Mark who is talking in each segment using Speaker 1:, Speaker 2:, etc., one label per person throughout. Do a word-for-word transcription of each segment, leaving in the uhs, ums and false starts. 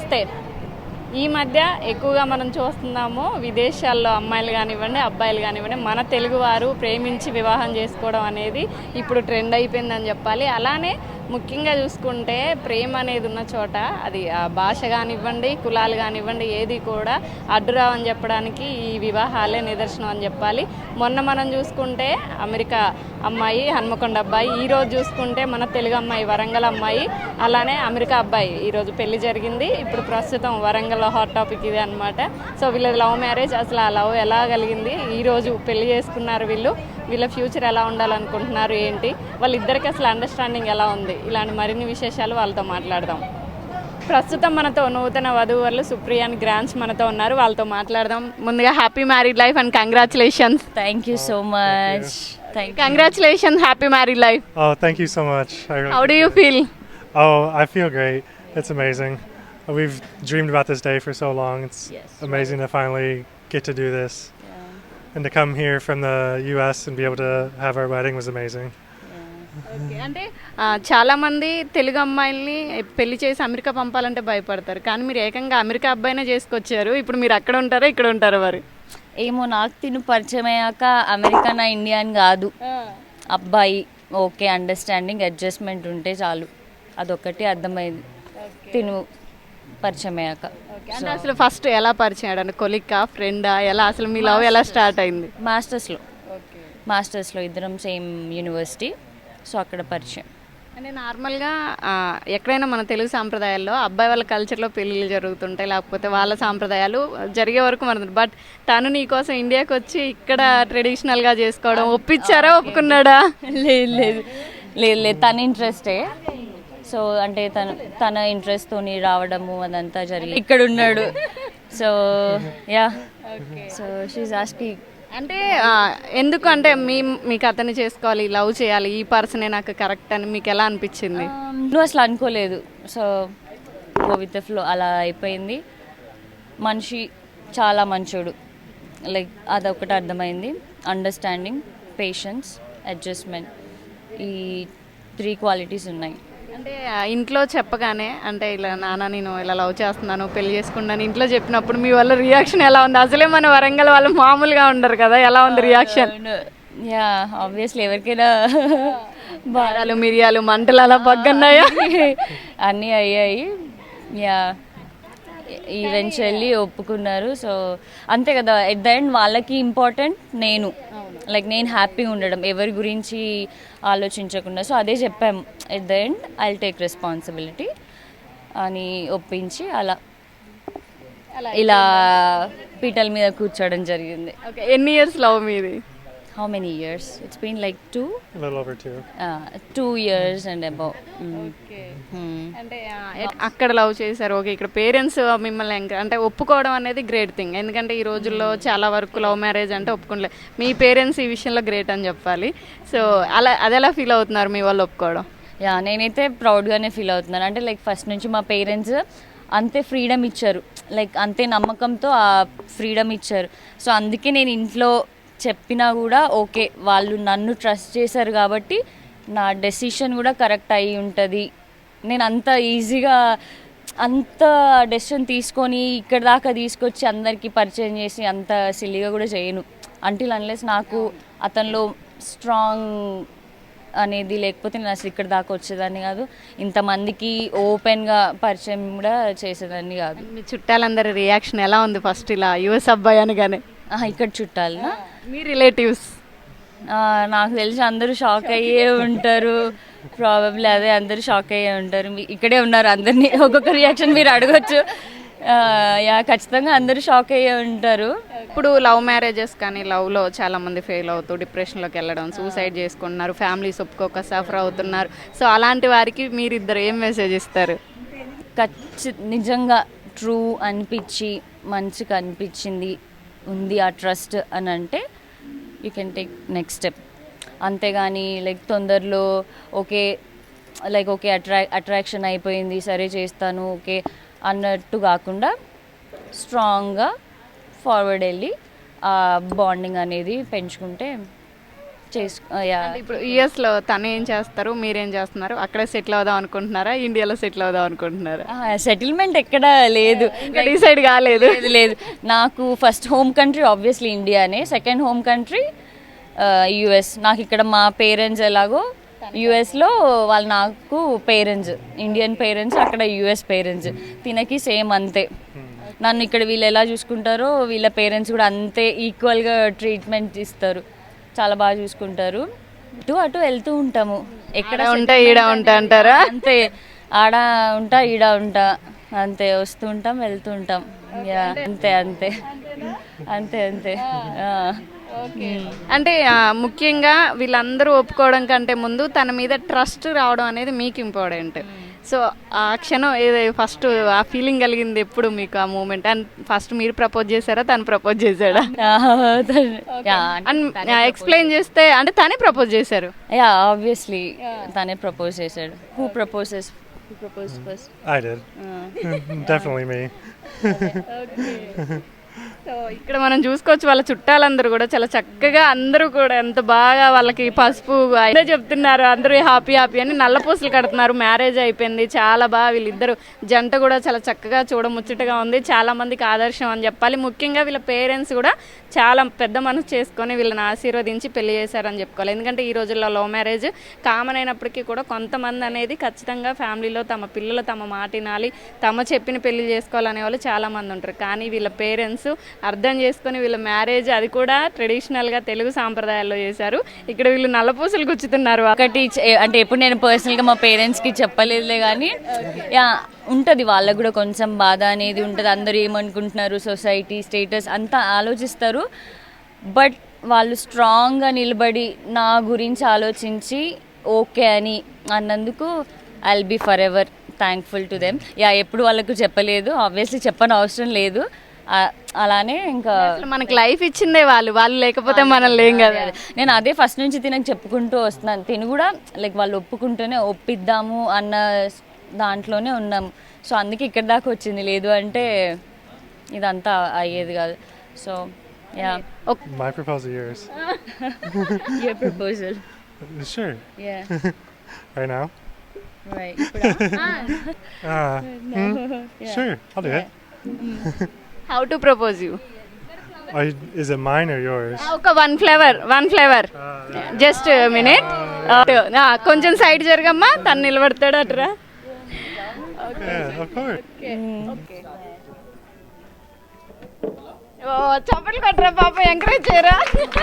Speaker 1: నమస్తే. ఈ మధ్య ఎక్కువగా మనం చూస్తున్నాము విదేశాల్లో అమ్మాయిలు కానివ్వండి అబ్బాయిలు కానివ్వండి మన తెలుగువారు ప్రేమించి వివాహం చేసుకోవడం అనేది ఇప్పుడు ట్రెండ్ అయిపోయిందని చెప్పాలి. అలానే ముఖ్యంగా చూసుకుంటే ప్రేమ అనేది ఉన్న చోట అది ఆ భాష కానివ్వండి కులాలు కానివ్వండి ఏది కూడా అడ్డురావని చెప్పడానికి ఈ వివాహాలే నిదర్శనం అని చెప్పాలి. మొన్న మనం చూసుకుంటే అమెరికా అమ్మాయి హన్మకొండ అబ్బాయి, ఈరోజు చూసుకుంటే మన తెలుగు అమ్మాయి వరంగల్ అమ్మాయి, అలానే అమెరికా అబ్బాయి ఈరోజు పెళ్లి జరిగింది. ఇప్పుడు ప్రస్తుతం వరంగల్లో హాట్ టాపిక్ ఇది అనమాట. సో వీళ్ళది లవ్ మ్యారేజ్. అసలు ఆ లవ్ ఎలా కలిగింది, ఈరోజు పెళ్లి చేసుకున్నారు వీళ్ళు, వీళ్ళ ఫ్యూచర్ ఎలా ఉండాలనుకుంటున్నారు, ఏంటి వాళ్ళిద్దరికి అసలు అండర్స్టాండింగ్ ఎలా ఉంది, ఇలాంటి మరిన్ని విశేషాలు వాళ్ళతో మాట్లాడదాం. ప్రస్తుతం మనతో నూతన వధూవరులు సుప్రియ అండ్ గ్రాండ్స్ మనతో ఉన్నారు, వాళ్ళతో మాట్లాడదాం. ముందుగా happy married life and congratulations.
Speaker 2: Thank you so much. Thank you.
Speaker 1: Congratulations, happy married life.
Speaker 3: Oh, thank you so much. I really
Speaker 1: how do you feel?
Speaker 3: Oh, I feel great. It's amazing. We've dreamed about this day for so long. It's
Speaker 2: Yes.
Speaker 3: amazing to finally get to do this.
Speaker 2: Yeah.
Speaker 3: And to come here from the U S and be able to have our wedding was amazing.
Speaker 1: Okay, అంటే ఆ, చాలా మంది తెలుగు అమ్మాయిల్ని పెళ్లి చేసి America పంపాలంటే భయపడతారు, కానీ మీరు ఏకంగా అమెరికా అబ్బాయినే చేసుకొచ్చారు. ఇప్పుడు మీరు అక్కడ ఉంటారా ఇక్కడ ఉంటారా మరి?
Speaker 2: ఏమో నాకు తిను పరిచయం అయ్యాక అమెరికా నా ఇండియా అని కాదు, అబ్బాయి ఓకే అండర్స్టాండింగ్ అడ్జస్ట్మెంట్ ఉంటే చాలు, అదొక్కటి అర్థమైంది తిను పరిచయం అయ్యాక.
Speaker 1: అంటే అసలు ఫస్ట్ ఎలా పరిచయం అయ్యాడు, కొలిక్కా ఫ్రెండా, ఎలా అసలు మీ లవ్ ఎలా స్టార్ట్ అయింది?
Speaker 2: మాస్టర్స్లో మాస్టర్స్లో ఇద్దరం సేమ్ యూనివర్సిటీ, సో అక్కడ పరిచయం.
Speaker 1: అంటే నార్మల్గా ఆ, ఎక్కడైనా మన తెలుగు సాంప్రదాయాల్లో అబ్బాయి వాళ్ళ కల్చర్లో పెళ్ళిళ్ళు జరుగుతుంటాయి, లేకపోతే వాళ్ళ సాంప్రదాయాలు జరిగే వరకు మన, బట్ తను నీకోసం ఇండియాకి వచ్చి ఇక్కడ ట్రెడిషనల్గా చేసుకోవడం ఒప్పించారా ఒప్పుకున్నాడా?
Speaker 2: లేదు లేదు లేదు లేదు తన ఇంట్రెస్టే. సో అంటే తన తన ఇంట్రెస్ట్తో రావడము అదంతా జరిగి ఇక్కడ ఉన్నాడు. So yeah so she asking.
Speaker 1: అంటే ఆ, ఎందుకు అంటే మీ మీకు అతన్ని చేసుకోవాలి, లవ్ చేయాలి, ఈ పర్సనే నాకు కరెక్ట్ అని మీకు ఎలా అనిపించింది?
Speaker 2: నువ్వు అసలు అనుకోలేదు, so go with the flow అలా అయిపోయింది. మనిషి చాలా మంచోడు, లైక్ అదొకటి అర్థమైంది. అండర్స్టాండింగ్, పేషెన్స్, అడ్జస్ట్మెంట్, ఈ త్రీ క్వాలిటీస్ ఉన్నాయి.
Speaker 1: అంటే ఆ, ఇంట్లో చెప్పగానే అంటే ఇలా నాన్న నేను ఇలా లవ్ చేస్తున్నాను పెళ్లి చేసుకున్నాను ఇంట్లో చెప్పినప్పుడు మీ వల్ల రియాక్షన్ ఎలా ఉంది? అసలే మన వరంగల్ వాళ్ళు మామూలుగా ఉండరు కదా, ఎలా ఉంది రియాక్షన్?
Speaker 2: యా ఆబ్వియస్లీ ఎవరికైనా
Speaker 1: బారాలు మిరియాలు మంటలు అలా పగ్గన్నాయా?
Speaker 2: అన్నీ అయ్యాయి. యా ఈవెన్చువల్లీ ఒప్పుకున్నారు. సో అంతే కదా, ఎట్ ద ఎండ్ వాళ్ళకి ఇంపార్టెంట్ నేను, లైక్ నేను హ్యాపీగా ఉండడం, ఎవరి గురించి ఆలోచించకుండా. సో అదే చెప్పాము, at the end I will take responsibility అని ఒప్పించి అలా ఇలా పీటల మీద కూర్చోవడం జరిగింది.
Speaker 1: ఓకే, ఎన్ని ఇయర్స్ లవ్ మీది?
Speaker 2: How many years? It's been like two
Speaker 3: A little over two.
Speaker 2: Two years and above.
Speaker 1: అంటే ఆ, ఎట్- అక్కడ లవ్ చేశారు, ఓకే. ఇక్కడ పేరెంట్స్ మిమ్మల్ని ఎంక- అంటే ఒప్పుకోవడం అనేది గ్రేట్ థింగ్, ఎందుకంటే ఈ రోజుల్లో చాలా వరకు లవ్ మ్యారేజ్ అంటే ఒప్పుకోలే. మీ పేరెంట్స్ ఈ విషయంలో గ్రేట్ అని చెప్పాలి. సో అలా అది ఎలా ఫీల్ అవుతున్నారు మీ వాళ్ళు ఒప్పుకోవడం?
Speaker 2: యా నేనైతే ప్రౌడ్గానే ఫీల్ అవుతున్నాను. అంటే లైక్ ఫస్ట్ నుంచి మా పేరెంట్స్ అంతే ఫ్రీడమ్ ఇచ్చారు, లైక్ అంతే నమ్మకంతో ఆ ఫ్రీడమ్ ఇచ్చారు. సో అందుకే నేను ఇంట్లో చెప్పినా కూడా ఓకే, వాళ్ళు నన్ను ట్రస్ట్ చేశారు కాబట్టి నా డెసిషన్ కూడా కరెక్ట్ అయి ఉంటుంది. నేను అంత ఈజీగా అంత డెసిషన్ తీసుకొని ఇక్కడ దాకా తీసుకొచ్చి అందరికీ పరిచయం చేసి అంత సిల్లీగా కూడా చేయను, అంటిల్ అన్లెస్ నాకు అతనిలో స్ట్రాంగ్ అనేది లేకపోతే నేను అసలు ఇక్కడ దాకా వచ్చేదాన్ని కాదు, ఇంతమందికి ఓపెన్గా పరిచయం కూడా చేసేదాన్ని కాదు.
Speaker 1: మీ చుట్టాలందరి రియాక్షన్ ఎలా ఉంది ఫస్ట్ ఇలా యుఎస్ అబ్బాయి అనగానే?
Speaker 2: ఆహా, ఇక్కడ చుట్టాలనా?
Speaker 1: మీ రిలేటివ్స్?
Speaker 2: నాకు తెలిసి అందరూ షాక్ అయ్యే ఉంటారు, ప్రాబబ్లీ అదే అందరూ షాక్ అయ్యే ఉంటారు. మీ- ఇక్కడే ఉన్నారు అందరినీ, ఒక్కొక్క రియాక్షన్ మీరు అడగచ్చు. యా ఖచ్చితంగా అందరూ షాక్ అయ్యే ఉంటారు.
Speaker 1: ఇప్పుడు లవ్ మ్యారేజెస్ కానీ లవ్లో చాలా మంది ఫెయిల్ అవుతూ డిప్రెషన్లోకి వెళ్ళడం, సూసైడ్ చేసుకుంటున్నారు, ఫ్యామిలీస్ ఒప్పుకోక సఫర్ అవుతున్నారు. సో అలాంటి వారికి మీరిద్దరు ఏం మెసేజ్ ఇస్తారు?
Speaker 2: ఖచ్చి నిజంగా ట్రూ అనిపించి మంచిగా అనిపించింది ఉంది ఆ ట్రస్ట్ అని అంటే you can take next step. అంతేగాని లైక్ తొందరలో ఓకే లైక్ ఓకే అట్రా అట్రాక్షన్ అయిపోయింది సరే చేస్తాను ఓకే అన్నట్టు కాకుండా స్ట్రాంగ్గా ఫార్వర్డ్ వెళ్ళి ఆ బాండింగ్ అనేది పెంచుకుంటే చేసుకో యా
Speaker 1: ఇప్పుడు యుఎస్లో తను ఏం చేస్తారు, మీరేం చేస్తున్నారు? అక్కడే సెటిల్ అవుదాం అనుకుంటున్నారా, ఇండియాలో సెటిల్ అవుదాం అనుకుంటున్నారా?
Speaker 2: సెటిల్మెంట్ ఎక్కడ లేదు,
Speaker 1: ఇంకా డిసైడ్ కాలేదు.
Speaker 2: లేదు లేదు నాకు ఫస్ట్ హోమ్ కంట్రీ ఆబ్వియస్లీ ఇండియానే, సెకండ్ హోమ్ కంట్రీ యుఎస్. నాకు ఇక్కడ మా పేరెంట్స్ ఎలాగో యుఎస్లో వాళ్ళు నాకు పేరెంట్స్, ఇండియన్ పేరెంట్స్, అక్కడ యుఎస్ పేరెంట్స్. తినకి సేమ్ అంతే. నన్ను ఇక్కడ వీళ్ళు ఎలా చూసుకుంటారో వీళ్ళ పేరెంట్స్ కూడా అంతే ఈక్వల్గా ట్రీట్మెంట్ ఇస్తారు, చాలా బాగా చూసుకుంటారు. ఇటు అటు వెళ్తూ ఉంటాము, ఎక్కడ
Speaker 1: ఉంటా ఈడ ఉంటా అంటారా?
Speaker 2: అంతే, ఆడ ఉంటా ఈడ ఉంటా అంతే, వస్తూ ఉంటాం వెళ్తూ ఉంటాం. యా అంతే అంతే అంతే అంతే
Speaker 1: అంటే ఆ, ముఖ్యంగా వీళ్ళందరూ ఒప్పుకోవడం కంటే ముందు తన మీద ట్రస్ట్ రావడం అనేది మీకు ఇంపార్టెంట్. సో ఆ క్షణం ఏదో ఫస్ట్ ఆ ఫీలింగ్ కలిగింది ఎప్పుడు మీకు ఆ మూమెంట్? అండ్ ఫస్ట్ మీరు ప్రపోజ్ చేశారా, తను ప్రపోజ్ చేశాడా? అండ్ ఎక్స్ప్లెయిన్ చేస్తే అంటే తనే ప్రపోజ్ చేశారు.
Speaker 2: యా ఆబ్వియస్లీ తనే ప్రపోజ్ చేశాడు. Who proposes who propose first?
Speaker 3: I did. Definitely me.
Speaker 1: So ఇక్కడ మనం చూసుకోవచ్చు వాళ్ళ చుట్టాలందరూ కూడా చాలా చక్కగా, అందరూ కూడా ఎంత బాగా వాళ్ళకి పసుపు అయితే చెప్తున్నారు, అందరూ హ్యాపీ హ్యాపీ అని నల్లపూసలు కడుతున్నారు. మ్యారేజ్ అయిపోయింది, చాలా బాగా వీళ్ళిద్దరు జంట కూడా చాలా చక్కగా చూడముచ్చటగా ఉంది, చాలా మందికి ఆదర్శం అని చెప్పాలి. ముఖ్యంగా వీళ్ళ పేరెంట్స్ కూడా చాలా పెద్ద మనసు చేసుకొని వీళ్ళని ఆశీర్వదించి పెళ్లి చేశారని చెప్పుకోవాలి. ఎందుకంటే ఈ రోజుల్లో లవ్ మ్యారేజ్ కామన్ అయినప్పటికీ కూడా కొంతమంది అనేది ఖచ్చితంగా ఫ్యామిలీలో తమ పిల్లలు తమ మాట వినాలి, తమ చెప్పిన పెళ్లి చేసుకోవాలనే వాళ్ళు చాలా మంది ఉంటారు. కానీ వీళ్ళ పేరెంట్స్ అర్థం చేసుకొని వీళ్ళ మ్యారేజ్ అది కూడా ట్రెడిషనల్గా తెలుగు సాంప్రదాయాల్లో చేశారు. ఇక్కడ వీళ్ళు నల్లపూసలు గుచ్చుతున్నారు.
Speaker 2: ఒకటి చే- అంటే ఎప్పుడు నేను పర్సనల్గా మా పేరెంట్స్కి చెప్పలేదులే, కానీ యా ఉంటుంది వాళ్ళకు కూడా కొంచెం బాధ అనేది ఉంటుంది. అందరూ ఏమనుకుంటున్నారు, సొసైటీ స్టేటస్ అంతా ఆలోచిస్తారు. బట్ వాళ్ళు స్ట్రాంగ్గా నిలబడి నా గురించి ఆలోచించి ఓకే అని అన్నందుకు I will be forever thankful to them. Yeah ఎప్పుడు వాళ్ళకు చెప్పలేదు, ఆబ్వియస్లీ చెప్పని అవసరం లేదు. ఆ- అలానే ఇంకా
Speaker 1: అసలు మనకి లైఫ్ ఇచ్చిందే వాళ్ళు, వాళ్ళు లేకపోతే మనం లేం కదా.
Speaker 2: నేను అదే ఫస్ట్ నుంచి తినకు చెప్పుకుంటూ వస్తున్నాను. తిని కూడా లైక్ వాళ్ళు ఒప్పుకుంటూనే ఒప్పిద్దాము అన్న దాంట్లోనే ఉన్నాము. సో అందుకే ఇక్కడ దాకా వచ్చింది, లేదు అంటే ఇదంతా అయ్యేది కాదు. So yeah
Speaker 3: My proposal, yours.
Speaker 2: Your proposal.
Speaker 3: Sure.
Speaker 2: Yeah
Speaker 3: Right now?
Speaker 2: Right.
Speaker 3: Uh, hmm? Sure, I'll do it.
Speaker 1: How to propose you?
Speaker 3: Are you, is it mine or yours?
Speaker 1: ఒక one flavour one flavour just minute. కొంచెం side జరగమ్మా, తను నిలబడతాడు అట్రా.
Speaker 3: Yeah, of course.
Speaker 1: ఓ చప్పట్లు కొట్టరా పాప, encourage చేయరా.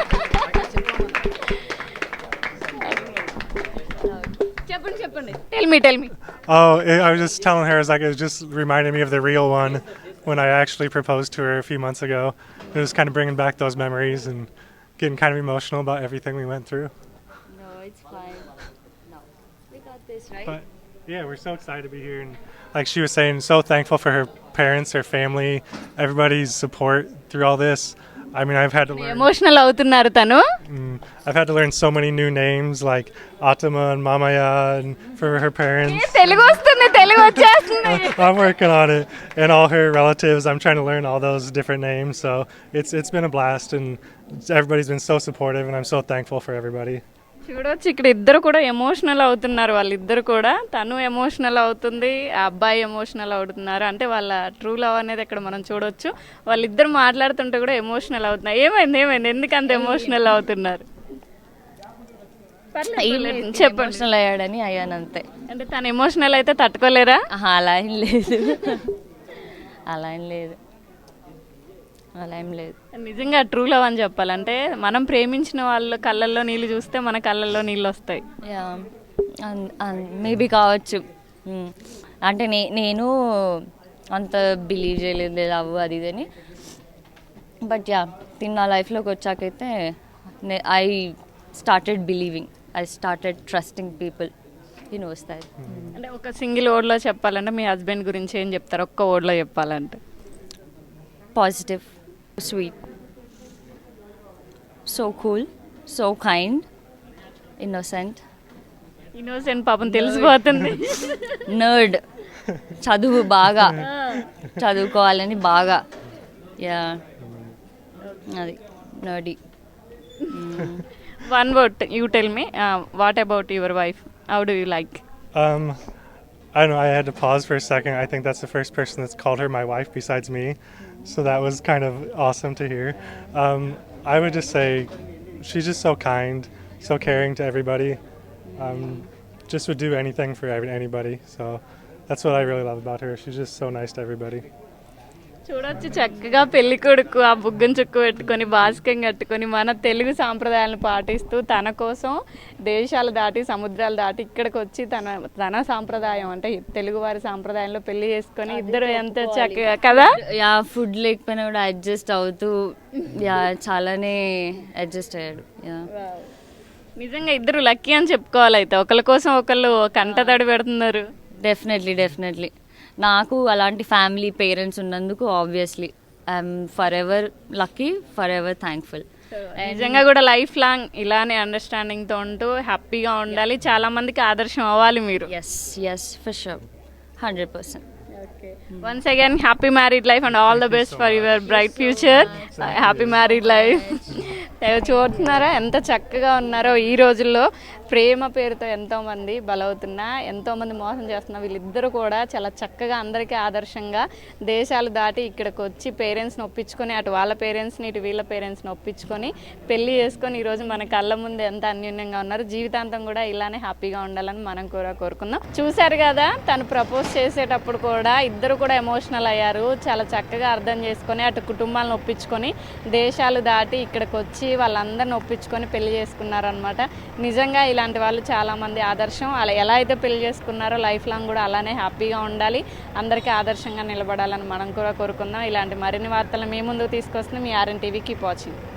Speaker 1: చెప్పండి చెప్పండి, tell me tell me.
Speaker 3: Oh, I I was just telling her, it's like it just reminded me of the real one when I actually proposed to her a few months ago. It was kind of bringing back those memories and getting kind of emotional about everything we went through.
Speaker 2: No, it's fine. No, we got this, right?
Speaker 3: But yeah, we're so excited to be here, and like she was saying, so thankful for her parents, her family, everybody's support through all this. I mean, I've had to learn.
Speaker 1: Emotional అవుతున్నారు తను.
Speaker 3: Mm, I've had to learn so many new names like Atama and Mamaya and for her parents.
Speaker 1: Telugu వస్తుంది, తెలుగు వచ్చేస్తుంది.
Speaker 3: I'm working on it, and all her relatives. I'm trying to learn all those different names. So it's it's been a blast, and everybody's been so supportive, and I'm so thankful for everybody.
Speaker 1: చూడవచ్చు ఇక్కడ ఇద్దరు కూడా emotional అవుతున్నారు. వాళ్ళిద్దరు కూడా, తను emotional అవుతుంది, ఆ అబ్బాయి ఎమోషనల్ అవుతున్నారు. అంటే వాళ్ళ ట్రూ లవ్ అనేది ఇక్కడ మనం చూడొచ్చు. వాళ్ళిద్దరు మాట్లాడుతుంటే కూడా ఎమోషనల్ అవుతున్నారు. ఏమైంది ఏమైంది ఎందుకు అంత ఎమోషనల్ అవుతున్నారు? చెప్పండి.
Speaker 2: ఎమోషనల్ అయ్యాడని అయ్యాను అంతే.
Speaker 1: అంటే తను ఎమోషనల్ అయితే తట్టుకోలేరా?
Speaker 2: ఆహా, అలా ఏం లేదు, అలా ఏం లేదు, అలా ఏం లేదు.
Speaker 1: నిజంగా ట్రూ లవ్ అని చెప్పాలంటే మనం ప్రేమించిన వాళ్ళ కళ్ళల్లో నీళ్ళు చూస్తే మన కళ్ళల్లో నీళ్ళు వస్తాయి.
Speaker 2: యా మేబీ కావచ్చు. మ్మ్. అంటే నే నేను అంత బిలీవ్ చేయలేదు లవ్ అది ఇది అని. బట్ యా తిన్న నా లైఫ్లోకి వచ్చాకైతే I started believing, I started trusting people. You know వస్తాయి.
Speaker 1: అంటే ఒక సింగిల్ వర్డ్లో చెప్పాలంటే మీ హస్బెండ్ గురించి ఏం చెప్తారు? ఒక్క వర్డ్లో చెప్పాలంటే?
Speaker 2: Positive, sweet, so cool, so kind, innocent.
Speaker 1: Innocent పాపం తెలిసిపోతుంది.
Speaker 2: నర్డ్, చదువు బాగా చదువుకోవాలని బాగా. యా అది nerdy.
Speaker 1: One word you tell me what about your wife, how do you like?
Speaker 3: Um, I don't know. I had to pause for a second. I think that's the first person that's called her my wife besides me, so that was kind of awesome to hear. Um, I would just say she's just so kind, so caring to everybody. Um, just would do anything for every- anybody. So that's what I really love about her. She's just so nice to everybody.
Speaker 1: చూడొచ్చు చక్కగా పెళ్లి కొడుకు ఆ బుగ్గన చుక్కు పెట్టుకొని బాస్కం కట్టుకొని మన తెలుగు సాంప్రదాయాలను పాటిస్తూ తన కోసం దేశాలు దాటి సముద్రాలు దాటి ఇక్కడికి వచ్చి తన తన సాంప్రదాయం అంటే తెలుగు వారి సాంప్రదాయంలో పెళ్లి చేసుకొని ఇద్దరు ఎంత చక్కగా కదా.
Speaker 2: యా ఫుడ్ లేకపోయినా కూడా అడ్జస్ట్ అవుతూ యా చాలానే అడ్జస్ట్ అయ్యాడు. యా
Speaker 1: నిజంగా ఇద్దరు లక్కీ అని చెప్పుకోవాలి. అయితే ఒకళ్ళ కోసం ఒకళ్ళు కంట తడి పెడుతున్నారు.
Speaker 2: డెఫినెట్లీ డెఫినెట్లీ నాకు అలాంటి ఫ్యామిలీ పేరెంట్స్ ఉన్నందుకు obviously I'm forever lucky, forever thankful.
Speaker 1: నిజంగా కూడా లైఫ్ లాంగ్ ఇలానే అండర్స్టాండింగ్తో ఉంటూ హ్యాపీగా ఉండాలి. చాలా మందికి ఆదర్శం అవ్వాలి మీరు.
Speaker 2: Yes yes for sure, hundred percent.
Speaker 1: Once again, happy married life and all the best for your bright future. Happy married life. చూస్తున్నారా ఎంత చక్కగా ఉన్నారో. ఈ రోజుల్లో ప్రేమ పేరుతో ఎంతోమంది బలవుతున్నా, ఎంతోమంది మోసం చేస్తున్నా, వీళ్ళిద్దరూ కూడా చాలా చక్కగా అందరికీ ఆదర్శంగా దేశాలు దాటి ఇక్కడికి వచ్చి పేరెంట్స్ని ఒప్పించుకొని, అటు వాళ్ళ పేరెంట్స్ని ఇటు వీళ్ళ పేరెంట్స్ని ఒప్పించుకొని పెళ్లి చేసుకొని ఈరోజు మన కళ్ళ ముందు ఎంత అన్యోన్యంగా ఉన్నారు. జీవితాంతం కూడా ఇలానే హ్యాపీగా ఉండాలని మనం కూడా కోరుకుందాం. చూశారు కదా, తను ప్రపోజ్ చేసేటప్పుడు కూడా ఇద్దరు కూడా ఎమోషనల్ అయ్యారు. చాలా చక్కగా అర్థం చేసుకొని అటు కుటుంబాలను ఒప్పించుకొని దేశాలు దాటి ఇక్కడికి వచ్చి వాళ్ళందరిని ఒప్పించుకొని పెళ్లి చేసుకున్నారనమాట. నిజంగా ఇలాంటి వాళ్ళు చాలామంది ఆదర్శం. అలా ఎలా అయితే పెళ్లి చేసుకున్నారో లైఫ్ లాంగ్ కూడా అలానే హ్యాపీగా ఉండాలి, అందరికీ ఆదర్శంగా నిలబడాలని మనం కూడా కోరుకుందాం. ఇలాంటి మరిన్ని వార్తలు మీ ముందుకు తీసుకొస్తుంది మీ ఆర్ఎన్ టీవీ. Keep watching.